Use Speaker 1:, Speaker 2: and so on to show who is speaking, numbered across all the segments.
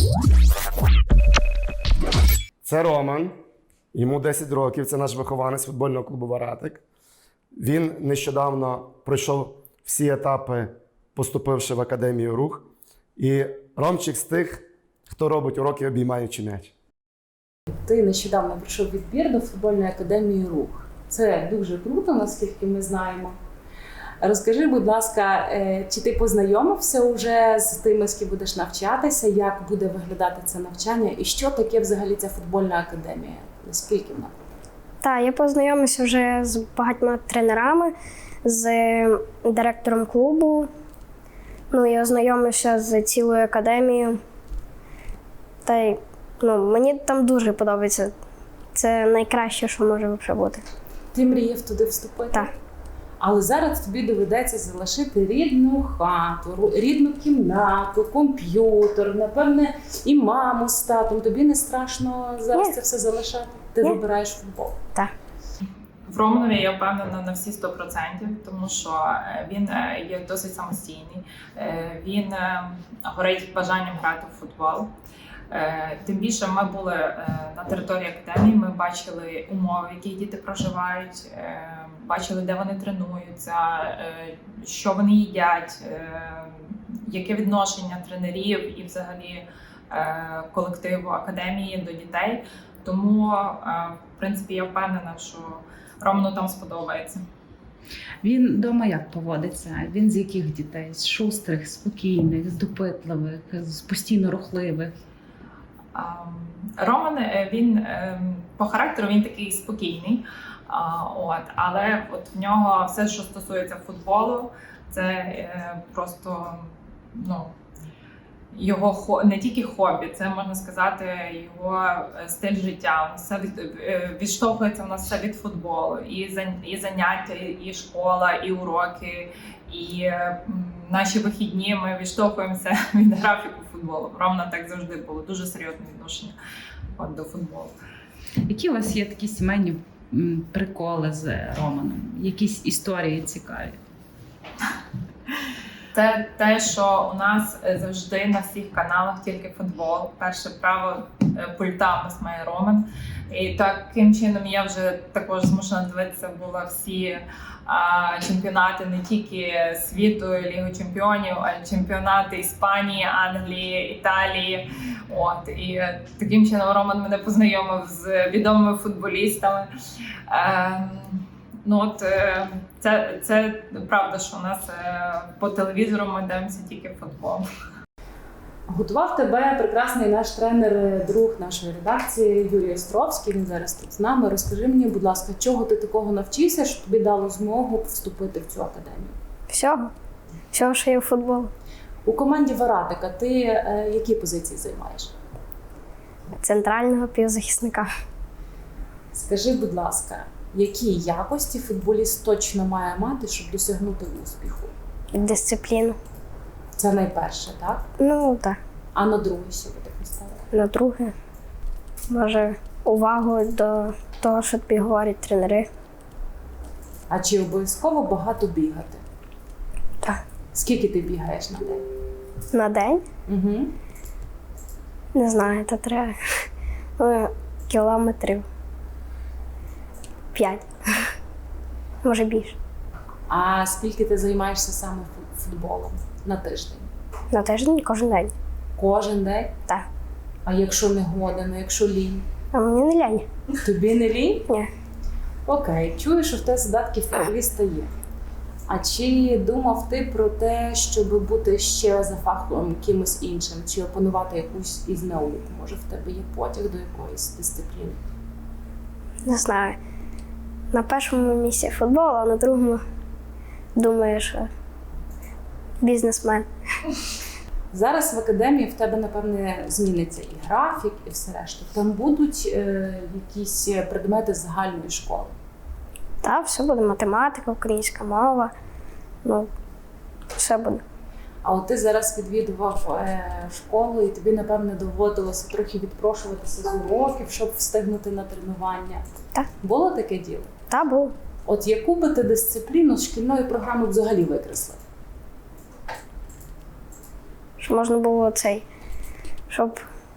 Speaker 1: Це Роман, йому 10 років, це наш вихованець футбольного клубу «Варатик». Він нещодавно пройшов всі етапи, поступивши в Академію «Рух». І Ромчик з тих, хто робить уроки, обіймаючи м'яч.
Speaker 2: Ти нещодавно пройшов відбір до футбольної академії «Рух». Це дуже круто, наскільки ми знаємо. Розкажи, будь ласка, чи ти познайомився вже з тими, з ким будеш навчатися, як буде виглядати це навчання і що таке взагалі ця футбольна академія? Наскільки вона?
Speaker 3: Так, я познайомився вже з багатьма тренерами, з директором клубу. Я ознайомився з цілою академією. Та й мені там дуже подобається. Це найкраще, що може взагалі бути.
Speaker 2: Ти мріяв туди вступити?
Speaker 3: Так.
Speaker 2: Але зараз тобі доведеться залишити рідну хату, рідну кімнату, комп'ютер, напевне, і маму з татом. Тобі не страшно зараз це все залишати? Ти вибираєш футбол?
Speaker 3: Так.
Speaker 4: В Романові я впевнена на всі 100%, тому що він є досить самостійний, він горить бажанням грати в футбол. Тим більше ми були на території академії, ми бачили умови, в яких діти проживають, бачили, де вони тренуються, що вони їдять, яке відношення тренерів і взагалі колективу академії до дітей. Тому, в принципі, я впевнена, що Роману там сподобається.
Speaker 5: Він вдома як поводиться? Він з яких дітей? З шустрих, спокійних, з допитливих, з постійно рухливих?
Speaker 4: Роман, він по характеру він такий спокійний, але в нього все, що стосується футболу, це просто його не тільки хобі, це можна сказати його стиль життя. Все відштовхується в нас все від футболу, і заняття, і школа, і уроки, і наші вихідні. Ми відштовхуємося від графіку футболу. Романа так завжди було дуже серйозне відношення до футболу.
Speaker 5: Які у вас є такі сімейні приколи з Романом? Якісь історії цікаві?
Speaker 4: Це те, що у нас завжди на всіх каналах тільки футбол. Перше право пульта у нас має Роман. І таким чином я вже також змушена дивитися була всі чемпіонати не тільки світу, Лігу чемпіонів, а й чемпіонати Іспанії, Англії, Італії. І таким чином Роман мене познайомив з відомими футболістами. Це правда, що у нас по телевізору ми дивимося тільки футбол.
Speaker 2: Готував тебе прекрасний наш тренер, друг нашої редакції Юрій Островський. Він зараз тут з нами. Розкажи мені, будь ласка, чого ти такого навчився, що тобі дало змогу вступити в цю академію?
Speaker 3: Всього. Всього, що є в футбол.
Speaker 2: У команді «Варатика» ти які позиції займаєш?
Speaker 3: Центрального півзахисника.
Speaker 2: Скажи, будь ласка, які якості футболіст точно має мати, щоб досягнути успіху?
Speaker 3: Дисципліну.
Speaker 2: Це найперше, так?
Speaker 3: Так.
Speaker 2: А на друге, що ви так поставили?
Speaker 3: На друге, може, увагу до того, що тобі говорять тренери.
Speaker 2: А чи обов'язково багато бігати?
Speaker 3: Так.
Speaker 2: Скільки ти бігаєш на день?
Speaker 3: На день?
Speaker 2: Угу.
Speaker 3: Не знаю, то треба. Кілометрів 5. Може більше.
Speaker 2: А скільки ти займаєшся саме футболом на тиждень?
Speaker 3: На тиждень кожен день.
Speaker 2: Кожен день?
Speaker 3: Так.
Speaker 2: А якщо не годен, якщо лінь?
Speaker 3: А мені не лянь.
Speaker 2: Тобі не лінь?
Speaker 3: Ні.
Speaker 2: Окей, чую, що в тебе задатки футболіста є. А чи думав ти про те, щоб бути ще за фахом кимось іншим, чи опанувати якусь із наук? Може, в тебе є потяг до якоїсь дисципліни?
Speaker 3: Не знаю. На першому місці футбол, а на другому думаю, що бізнесмен.
Speaker 2: Зараз в академії в тебе, напевне, зміниться і графік, і все решта. Там будуть якісь предмети з загальної школи?
Speaker 3: Так, все буде. Математика, українська мова. Все буде.
Speaker 2: А от ти зараз відвідував школу, і тобі, напевне, доводилося трохи відпрошуватися з уроків, щоб встигнути на тренування.
Speaker 3: Так.
Speaker 2: Було таке діло?
Speaker 3: Так, було.
Speaker 2: От яку би ти дисципліну з шкільної програми взагалі викреслив?
Speaker 3: Щоб можна було щоб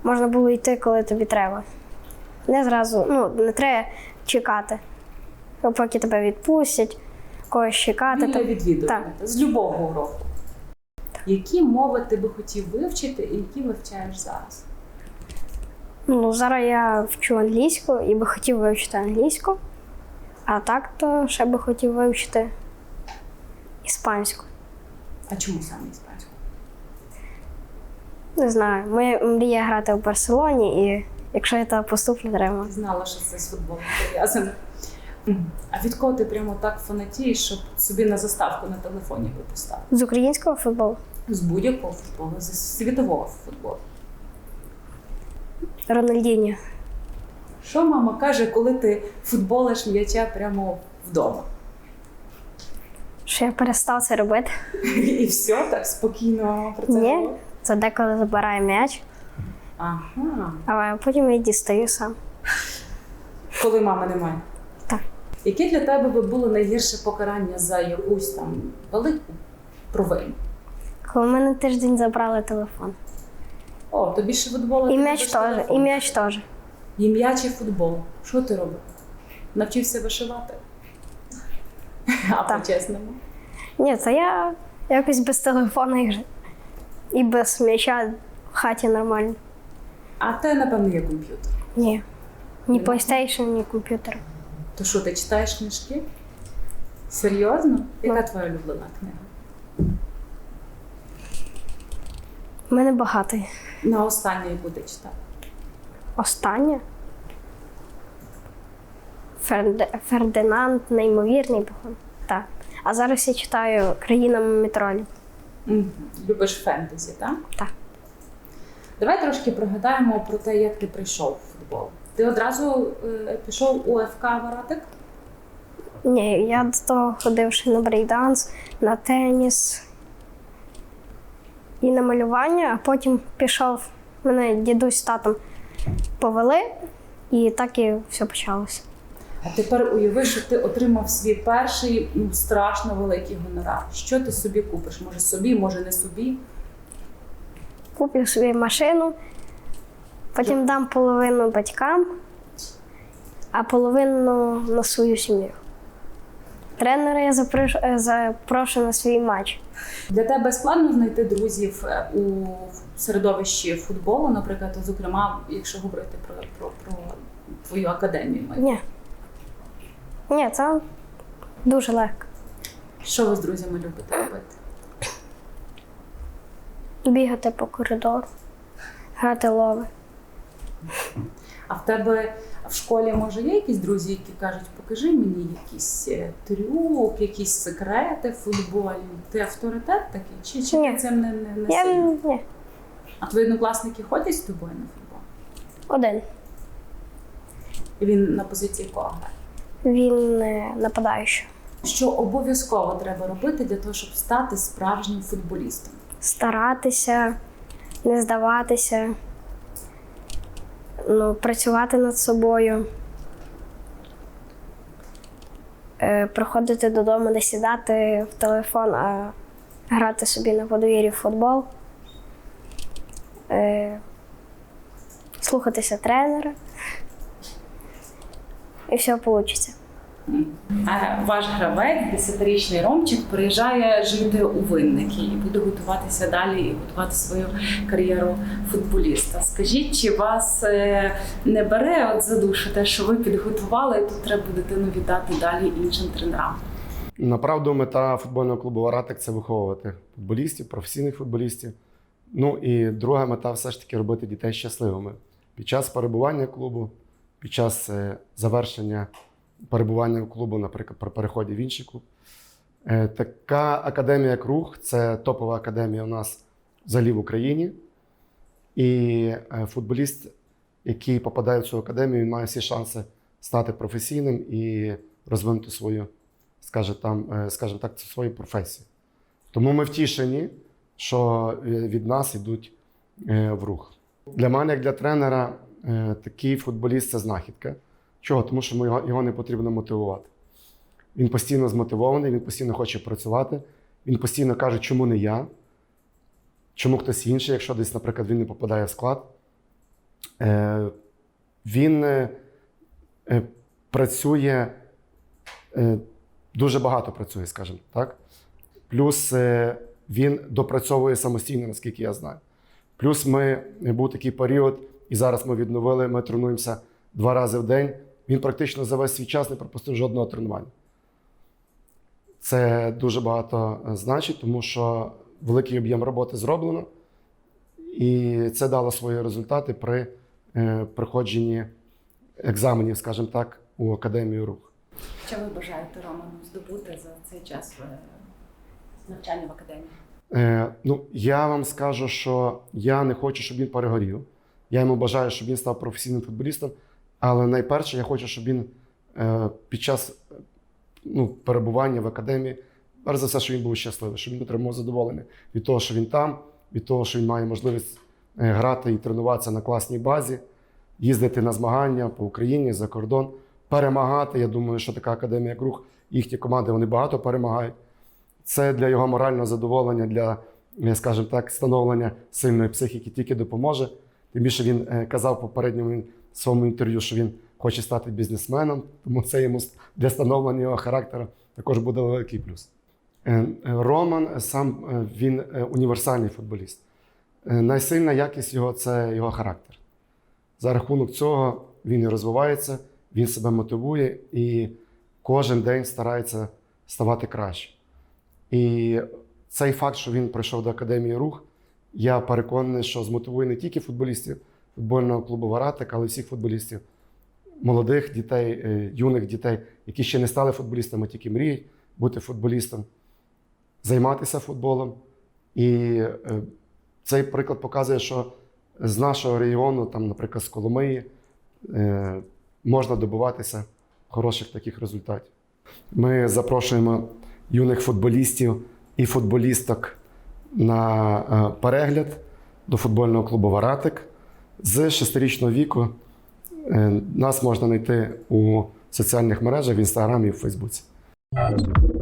Speaker 3: можна було йти, коли тобі треба. Не зразу, не треба чекати, поки тебе відпустять, когось чекати.
Speaker 2: Вільне відвідування
Speaker 3: Так.
Speaker 2: з любого уроку. Які мови ти би хотів вивчити і які вивчаєш зараз?
Speaker 3: Зараз я вчу англійську і би хотів вивчити англійську, а так то ще би хотів вивчити іспанську.
Speaker 2: А чому саме іспанську?
Speaker 3: Не знаю, моя мрія грати в Барселоні, і якщо я там поступлю, треба.
Speaker 2: Знала, що це з футболом пов'язано. А від кого ти прямо так фанатієш, щоб собі на заставку на телефоні випустав?
Speaker 3: З українського футболу
Speaker 2: З будь-якого футболу, з світового футболу.
Speaker 3: Рональдіньо.
Speaker 2: Що мама каже, коли ти футболиш м'яча прямо вдома?
Speaker 3: Що я перестав це робити?
Speaker 2: І все, так спокійно про це
Speaker 3: Ні,
Speaker 2: говориш?
Speaker 3: це деколи забирає м'яч,
Speaker 2: Ага.
Speaker 3: а потім я дістаю сам.
Speaker 2: Коли мами немає?
Speaker 3: Так.
Speaker 2: Яке для тебе би було найгірше покарання за якусь там велику провину?
Speaker 3: Коли в мене тиждень забрали телефон.
Speaker 2: О, тобі ще футболу
Speaker 3: І
Speaker 2: ти
Speaker 3: м'яч
Speaker 2: любиш
Speaker 3: теж,
Speaker 2: телефон.
Speaker 3: і м'яч теж.
Speaker 2: І м'яч, і футбол. Що ти робив? Навчився вишивати? А
Speaker 3: Так.
Speaker 2: по-чесному?
Speaker 3: Ні, то я якось без телефону і без м'яча в хаті нормально.
Speaker 2: А те, напевно, є комп'ютер.
Speaker 3: Ні. Ні
Speaker 2: Нема?
Speaker 3: PlayStation, ні комп'ютер.
Speaker 2: То що, ти читаєш книжки? Серйозно? Яка твоя улюблена книга?
Speaker 3: У мене багато.
Speaker 2: На останнє, яку ти читав?
Speaker 3: Останнє. Фердинанд, неймовірний, походу. Так. А зараз я читаю «Країна мумітролів».
Speaker 2: Любиш фентезі, так?
Speaker 3: Так.
Speaker 2: Давай трошки пригадаємо про те, як ти прийшов в футбол. Ти одразу пішов у ФК Варатик?
Speaker 3: Ні, я до того ходив ще на брейкданс, на теніс і на малювання, а потім пішов, мене дідусь з татом повели, і так і все почалося.
Speaker 2: А тепер уяви, що ти отримав свій перший страшно великий гонорар. Що ти собі купиш? Може собі, може не собі?
Speaker 3: Куплю собі машину, потім дам половину батькам, а половину на свою сім'ю. Тренера я запрошу на свій матч.
Speaker 2: Для тебе складно знайти друзів у середовищі футболу, наприклад, зокрема, якщо говорити про твою академію.
Speaker 3: Ні, це дуже легко.
Speaker 2: Що ви з друзями любите робити?
Speaker 3: Бігати по коридору, грати лови.
Speaker 2: А в тебе в школі, може, є якісь друзі, які кажуть, покажи мені якийсь трюк, якісь секрети футбольні. Ти авторитет такий? Чи
Speaker 3: Ні.
Speaker 2: ти цим не
Speaker 3: Я
Speaker 2: сильно?
Speaker 3: ні,
Speaker 2: А твої однокласники ходять з тобою на футбол?
Speaker 3: один.
Speaker 2: І він на позиції кого грає?
Speaker 3: Він нападаючий.
Speaker 2: Що обов'язково треба робити для того, щоб стати справжнім футболістом?
Speaker 3: Старатися, не здаватися, працювати над собою, приходити додому, не сідати в телефон, а грати собі на подвір'ї в футбол, слухатися тренера, і все вийде.
Speaker 2: Ваш гравець, 10-річний Ромчик, приїжджає жити у Винники і буде готуватися далі і готувати свою кар'єру футболіста. Скажіть, чи вас не бере за душу те, що ви підготували, і тут треба дитину віддати далі іншим тренерам?
Speaker 1: Направду, мета футбольного клубу «Варатик» – це виховувати футболістів, професійних футболістів. Ну і друга мета – все ж таки робити дітей щасливими. Під час перебування клубу, під час завершення перебування в клубу, наприклад, при переході в інший клуб. Така академія, як «Рух» – це топова академія у нас взагалі в Україні. І футболіст, який попадає в цю академію, він має всі шанси стати професійним і розвинути свою, скажімо так, свою професію. Тому ми втішені, що від нас йдуть в «Рух». Для мене, як для тренера, такий футболіст – це знахідка. Чого? Тому що його не потрібно мотивувати. Він постійно змотивований, він постійно хоче працювати, він постійно каже, чому не я, чому хтось інший, якщо десь, наприклад, він не попадає в склад. Він працює, дуже багато працює, скажімо так. Плюс він допрацьовує самостійно, наскільки я знаю. Плюс був такий період, і зараз ми відновили, ми тренуємося 2 рази в день. Він практично за весь свій час не пропустив жодного тренування. Це дуже багато значить, тому що великий об'єм роботи зроблено, і це дало свої результати при проходженні екзаменів, скажімо так, у Академію Рух.
Speaker 6: Що ви бажаєте Роману здобути за цей час навчання в академії?
Speaker 1: Я вам скажу, що я не хочу, щоб він перегорів. Я йому бажаю, щоб він став професійним футболістом, але найперше я хочу, щоб він під час перебування в академії, перш за все, щоб він був щасливий, щоб він отримав задоволення від того, що він там, від того, що він має можливість грати і тренуватися на класній базі, їздити на змагання по Україні, за кордон, перемагати. Я думаю, що така академія, як Рух, їхні команди, вони багато перемагають. Це для його морального задоволення, для, скажімо так, становлення сильної психіки тільки допоможе. Тим більше він казав в попередньому своєму інтерв'ю, що він хоче стати бізнесменом, тому це йому для становлення його характеру також буде великий плюс. Роман сам він універсальний футболіст. Найсильна якість його – це його характер. За рахунок цього він і розвивається, він себе мотивує і кожен день старається ставати краще. І цей факт, що він прийшов до Академії Рух, я переконаний, що змотивує не тільки футболістів футбольного клубу «Варатик», але й всіх футболістів, молодих дітей, юних дітей, які ще не стали футболістами, тільки мріють бути футболістом, займатися футболом. І цей приклад показує, що з нашого регіону, там, наприклад, з Коломиї, можна добиватися хороших таких результатів. Ми запрошуємо юних футболістів і футболісток на перегляд до футбольного клубу «Варатик». З 6-річного віку нас можна знайти у соціальних мережах, в Інстаграмі і в Фейсбуці.